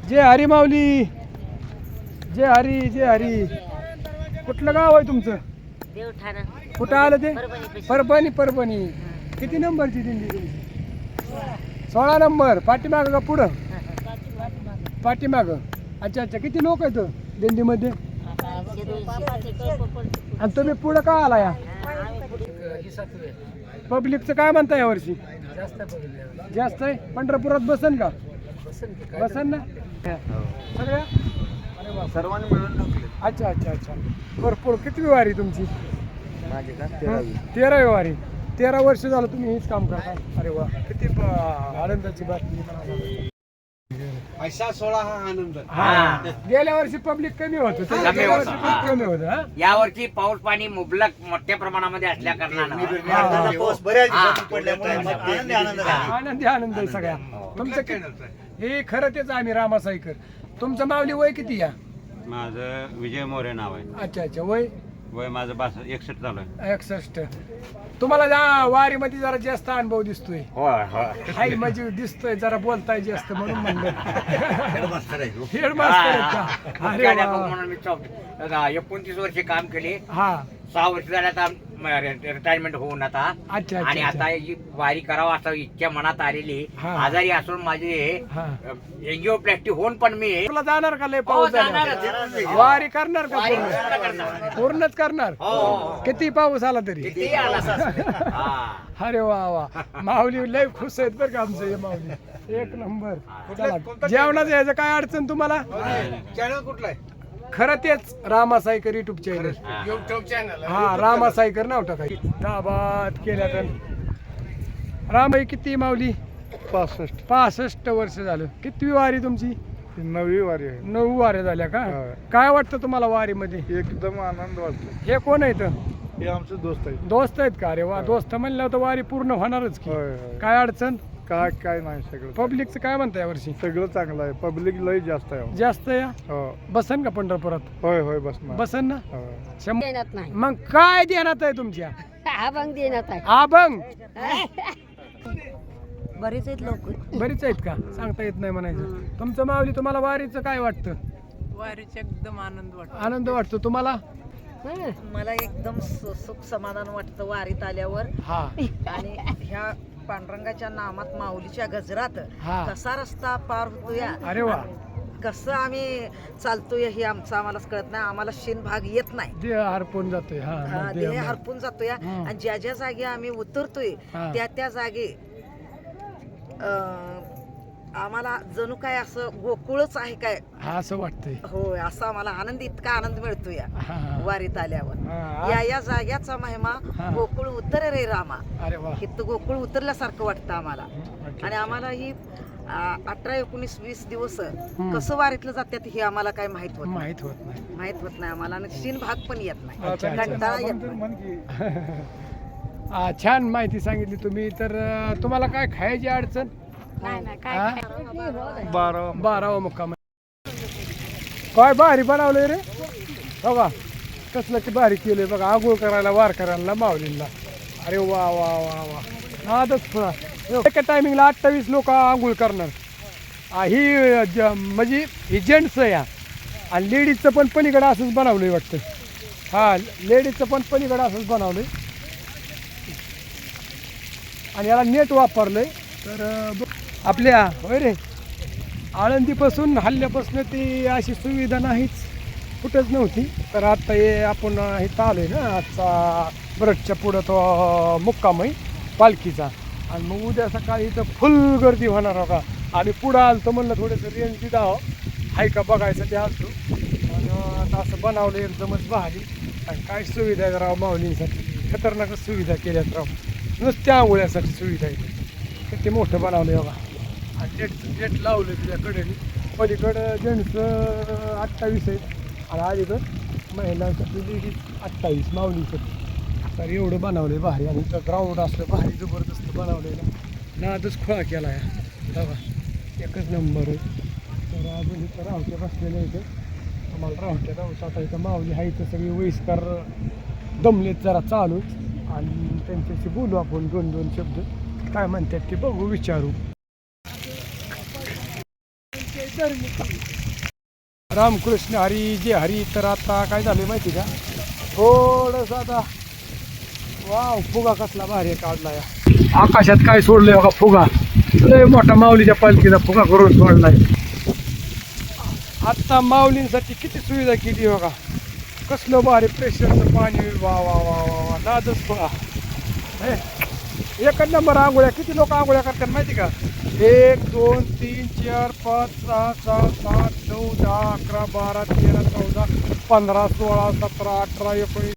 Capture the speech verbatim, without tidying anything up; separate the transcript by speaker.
Speaker 1: जय हरी माऊली, जय हरी जय हरी. कुठलं गाव आहे तुमचं?
Speaker 2: देवठाणा.
Speaker 1: कुठं आलं ते?
Speaker 2: परभणी.
Speaker 1: परभणी. परभणी. किती नंबरची दिंडी तुमची? सोळा नंबर. पाठीमाग का पुढं? पाठीमाग. अच्छा अच्छा. किती लोक आहेत दिंडीमध्ये? आणि तुम्ही पुढं का आला या? पब्लिकचं काय म्हणता या वर्षी? जास्त आहे. पंढरपुरात बसन का? बसन ना सगळ्या?
Speaker 3: सर्वांनी मिळून टाकले.
Speaker 1: अच्छा अच्छा अच्छा. भरपूर. किती वारी तुमची?
Speaker 3: माझे का तेरावी.
Speaker 1: तेरावी वारी. तेरा वर्ष झालं तुम्ही हेच काम करता. अरे वा, किती ब- आनंदाची बातमी.
Speaker 3: पैसा सोळा हा आनंद.
Speaker 1: हा. गेल्या वर्षी पब्लिक कमी होतं.
Speaker 4: कमी
Speaker 1: गेल्या
Speaker 4: होतं.
Speaker 1: वर्षी खूप कमी होतं. हा?
Speaker 4: यावर्षी पाऊस पाणी मुबलक मोठ्या प्रमाणामध्ये असल्या कारणानं
Speaker 3: निर्माणाचा पाऊस बऱ्याच
Speaker 4: हा.
Speaker 3: दिवसातून पडल्यामुळे आनंदी आनंद झाला.
Speaker 1: आनंदी आनंद आहे सगळ्या. तुमचं कि- हे खरं तेच आम्ही रामासाईकर. तुमचं माऊली वय किती या?
Speaker 5: माझं विजय मोरे नाव आहे.
Speaker 1: अच्छा अच्छा. वय
Speaker 5: वय माझं बास एकसष्ट चालू आहे.
Speaker 1: एकसष्ट. तुम्हाला जा वारीमध्ये जरा जास्त अनुभव दिसतोय.
Speaker 4: होय होय
Speaker 1: हाय म्हणजे दिसतोय जरा बोलताय जास्त म्हणून म्हणलं.
Speaker 3: हेडमास्टर आहे तो.
Speaker 1: हेड मास्तर आहेत का? अरे
Speaker 4: प्राध्यापक
Speaker 1: वा.
Speaker 4: म्हणून मी चौ- एकोणतीस वर्षे काम केले.
Speaker 1: हा.
Speaker 4: सहा वर्ष झाले आता रिटायरमेंट होऊन आता.
Speaker 1: अच्छा
Speaker 4: आणि
Speaker 1: अच्छा
Speaker 4: आता ही वारी करावा असं इच्छा मनात आलेली.
Speaker 1: हा.
Speaker 4: आजारी असून माझे
Speaker 1: हा.
Speaker 4: एंजिओप्लास्टी होऊन पण मी
Speaker 1: तुला जाणार का लय
Speaker 4: हो,
Speaker 1: पाऊस
Speaker 4: जाणारच.
Speaker 1: झाला? वारी करणार का
Speaker 4: वारी
Speaker 1: पूर्ण?
Speaker 4: पूर्ण करणार.
Speaker 1: पूर्णच करणार.
Speaker 4: हो, हो, हो.
Speaker 1: किती पाऊस आला तरी?
Speaker 4: कितीही आला तर. हा.
Speaker 1: अरे वा वा. माऊली लय खुश आहेत बरं का आमचं हे माऊली. एक नंबर. चला, जेवणाचं यायचं काय अडचण तुम्हाला?
Speaker 3: चॅनल कुठला आहे?
Speaker 1: खरं तेच Ramasaikar YouTube channel.
Speaker 3: YouTube channel.
Speaker 1: हा, रामासाईकर नाव टाकायचं. दाबात केल्या तर रामाई किती माऊली?
Speaker 6: पासष्ट
Speaker 1: पासष्ट वर्ष झालं. कितवी वारी तुमची?
Speaker 6: नववी वारी आहे.
Speaker 1: नऊ वाऱ्या झाल्या का?
Speaker 6: हा.
Speaker 1: काय वाटतं तुम्हाला वारीमध्ये?
Speaker 6: एकदम आनंद वाटतो.
Speaker 1: हे कोण आहेत?
Speaker 6: हे आमचे दोस्त आहेत.
Speaker 1: दोस्त आहेत का? अरे वा. दोस्त म्हणल्यावर तर वारी पूर्ण होणारच की.
Speaker 6: होय होय.
Speaker 1: काय अडचण?
Speaker 6: काय काय नाही सगळं
Speaker 1: पब्लिकचं काय म्हणता या वर्षी?
Speaker 6: सगळं चांगलं आहे. पब्लिक लय जास्त आहे.
Speaker 1: जास्त या
Speaker 6: हो
Speaker 1: बसन का पंढरपुरात?
Speaker 6: होय होय बस ना.
Speaker 1: बसन ना.
Speaker 6: हो.
Speaker 1: शंभर.
Speaker 2: देण्यात नाही.
Speaker 1: मग काय देण्यात आहे तुमच्या?
Speaker 2: अभंग देण्यात आहे.
Speaker 1: आभंग.
Speaker 2: बरेच आहेत लोक.
Speaker 1: बरीच आहेत का? सांगता येत नाही म्हणायचं. तुमचं माऊली तुम्हाला वारीचं काय वाटतं?
Speaker 7: वारीचा एकदम आनंद वाटतो.
Speaker 1: आनंद वाटतो तुम्हाला?
Speaker 8: मला एकदम सु- सुख समाधान वाटतं वारीत आल्यावर.
Speaker 1: हा
Speaker 8: आणि ह्या पांडुरंगाच्या नामात माऊलीच्या गजरात
Speaker 1: हा.
Speaker 8: कसा रस्ता पार होतो या,
Speaker 1: अरे वा.
Speaker 8: कसं आम्ही चालतोय हे आमचं आम्हालाच कळत नाही. आम्हाला शिन भाग येत नाही.
Speaker 1: देह हरपून जातोय. हा
Speaker 8: हा,
Speaker 1: मग
Speaker 8: देह
Speaker 1: देह-
Speaker 8: हरपून जातो या.
Speaker 1: हा.
Speaker 8: आणि ज्या ज्या जागी आम्ही उतरतोय
Speaker 1: हा.
Speaker 8: त्या त्या जागी अं, आम्हाला जणू काय असं गोकुळच आहे काय.
Speaker 1: हा असं वाटतंय.
Speaker 8: होय, असा आम्हाला आनंद, इतका आनंद मिळतो या
Speaker 1: हा, हा.
Speaker 8: वारीत आल्यावर.
Speaker 1: हा.
Speaker 8: या या जाग्याचा महिमा
Speaker 1: हा.
Speaker 8: गोकुळ उतर रे रामा.
Speaker 1: अरे वा.
Speaker 8: इथं गोकुळ उतरल्यासारखं वाटतं आम्हाला.
Speaker 1: अच्छा.
Speaker 8: आणि आम्हाला ही आ, अठरा एकोणीस वीस दिवस कसं वारीतलं जातात हे आम्हाला काय माहित होत नाही.
Speaker 1: माहित होत नाही.
Speaker 8: माहित होत नाही आम्हाला. आणि शिन भाग पण येत नाही.
Speaker 1: अच्छा, अच्छा.
Speaker 8: कंटाळा येत नाही.
Speaker 6: म्हण की
Speaker 1: हा, छान माहिती सांगितली तुम्ही. तर अं, तुम्हाला काय खायची अडचण?
Speaker 2: नाही नाही
Speaker 1: हा?
Speaker 2: काय
Speaker 6: बारा
Speaker 1: बारावा मुक्काम. काय भारी बनवलंय रे. हो का? कसलं की भारी केलंय बघा. आंघोळ करायला वारकऱ्यांना माऊलींना. अरे वा वा वा वा. आजच पुन्हा एका टायमिंगला अठ्ठावीस लोक आंघोळ करणार. आ, ही ज- म्हणजे ही जेंट्स या. आणि लेडीजचं पण पलीकडं असंच बनवलंय वाटतं. हा, लेडीजचं पण पलीकडं असंच बनवलंय. आणि याला नेट वापरलंय. तर अं, ब- आपल्या होय रे आळंदीपासून हल्ल्यापासून ती अशी सुविधा नाहीच, कुठंच नव्हती. तर आता हे आपण इथं आलोय ना. आजचा ब्रशच्या पुढं तो मुक्काम आहे पालखीचा. आणि मग उद्या सकाळी इथं फुल गर्दी होणार हो का. आम्ही पुढं आलतो म्हणलं थोडंसं रेंज दिदावं हाय का बघायसाठी आलतो. आणि आता असं बनवलं एकदमच भारी. आणि काय सुविधा आहे राव माऊलींसाठी. खतरनाकच सुविधा केल्यात राव. नुसत्या आंघोळ्यासाठी सुविधा आहे. किती मोठं बनवलं बघा. आणि नेट नेट लावलं तुझ्या कडेने. पलीकडं जेंट्स अठ्ठावीस आहेत आणि अलीकडं महिलांसाठी लेडीज अठ्ठावीस माऊलीसाठी. तर एवढं बनवलं आहे भारी. आणि इथं ग्राउंड असलं भारी जबरदस्त बनवलेलं. नादच खोळा केला आहे बघा. एकच नंबर आहे. तर अजून इथं रावटे बसलेले इथे. आम्हाला रावट्या राहूच आता इथं माऊली आहे. इथं सगळी वयस्कर दमलेत जरा चालू. आणि त्यांच्याशी बोलू आपण दोन दोन शब्द. काय म्हणतात ते बघू विचारू. रामकृष्ण हरी जे हरी. तर आता काय झालं माहिती का, थोडस आता वाव फुगा कसला भारी काढला या आकाशात. काय सोडलंय बघा फुगा, लय मोठा माऊलीच्या पालखीचा फुगा करून सोडलाय. आता माऊलींसाठी किती सुविधा केली बघा, कसलं भारी प्रेशरचं पाणी. वा वा वा वा वा नादच बघा. हे, एकच नंबर आंघोळ्या. किती लोक आंघोळ्या करतात माहिती का, एक दोन तीन चार पाच सहा सात आठ नऊ दहा अकरा बारा तेरा चौदा पंधरा सोळा सतरा अठरा एकोणीस